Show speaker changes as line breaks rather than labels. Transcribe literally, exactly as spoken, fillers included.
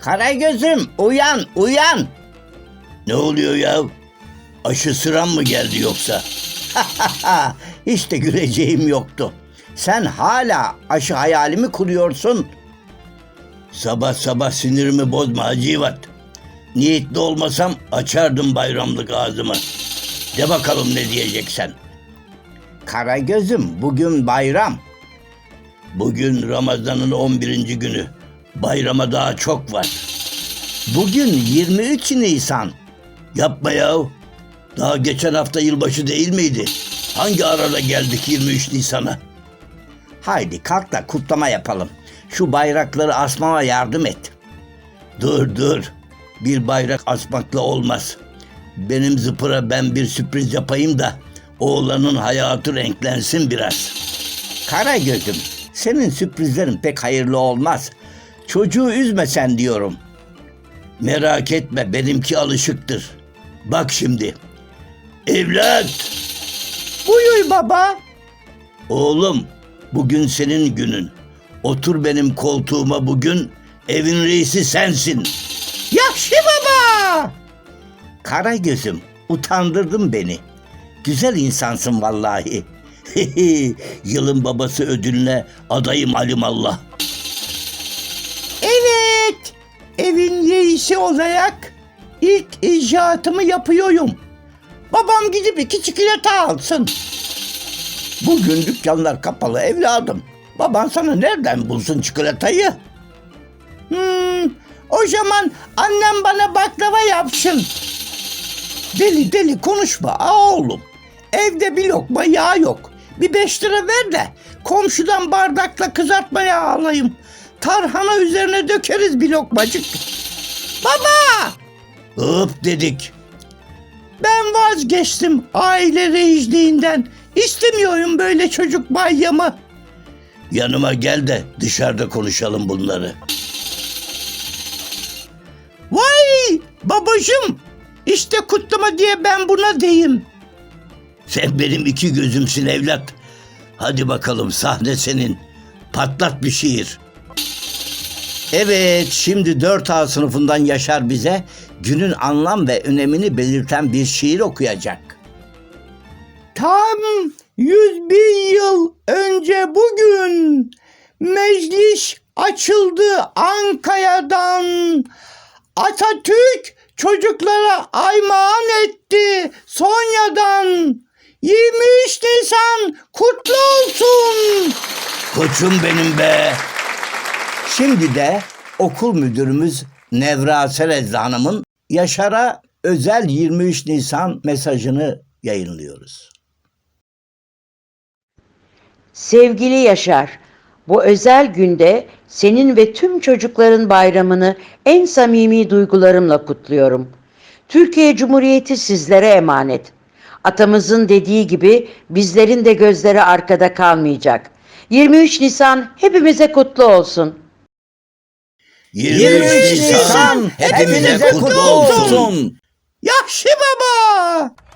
Karagöz'üm uyan uyan.
Ne oluyor ya? Aşı sıram mı geldi yoksa?
Hiç de güleceğim yoktu. Sen hala aşı hayalimi kuruyorsun.
Sabah sabah sinirimi bozma Hacivat. Niyetli olmasam açardım bayramlık ağzımı. De bakalım ne diyeceksen.
Karagöz'üm bugün bayram.
Bugün Ramazan'ın on birinci günü. Bayrama daha çok var.
Bugün yirmi üç Nisan.
Yapma ya. Daha geçen hafta yılbaşı değil miydi? Hangi arada geldik yirmi üç Nisan'a?
Haydi kalk da kutlama yapalım. Şu bayrakları asmama yardım et.
Dur dur. Bir bayrak asmakla olmaz. Benim zıpıra ben bir sürpriz yapayım da oğlanın hayatı renklensin biraz.
Karagöz'üm senin sürprizlerin pek hayırlı olmaz. Çocuğu üzmesen diyorum.
Merak etme, benimki alışıktır. Bak şimdi. Evlat!
Buyur baba.
Oğlum, bugün senin günün. Otur benim koltuğuma bugün. Evin reisi sensin.
Yaşlı baba. Karagöz'üm utandırdın beni. Güzel insansın vallahi.
Yılın babası ödülüne adayım alimallah.
Evet. Evin reisi olarak ilk icraatımı yapıyorum. Babam gidip iki çikolata alsın. Bugün dükkanlar kapalı evladım. Baban sana nereden bulsun çikolatayı? Hmm, o zaman annem bana baklava yapsın. Deli deli konuşma aa oğlum. Evde bir lokma yağ yok. Bir beş lira ver de komşudan bardakla kızartma yağı alayım. Tarhana üzerine dökeriz bir lokmacık. Baba!
Hop dedik.
Ben vazgeçtim aile reisliğinden. İstemiyorum böyle çocuk bayramı.
Yanıma gel de dışarıda konuşalım bunları.
Vay babacığım. İşte kutlama diye ben buna deyim.
Sen benim iki gözümsün evlat. Hadi bakalım sahne senin. Patlat bir şiir.
Evet, şimdi dört A sınıfından Yaşar bize günün anlam ve önemini belirten bir şiir okuyacak. Tam yüz bir yıl önce bugün meclis açıldı Ankara'dan. Atatürk çocuklara armağan etti Sonya'dan. yirmi üç Nisan kutlu olsun.
Koçum benim be.
Şimdi de okul müdürümüz Nevra Serezli Hanım'ın Yaşar'a özel yirmi üç Nisan mesajını yayınlıyoruz.
Sevgili Yaşar, bu özel günde senin ve tüm çocukların bayramını en samimi duygularımla kutluyorum. Türkiye Cumhuriyeti sizlere emanet. Atamızın dediği gibi bizlerin de gözleri arkada kalmayacak. yirmi üç Nisan hepimize kutlu olsun.
yirmi üç Nisan hepimize kutlu olsun.
Yaşlı baba!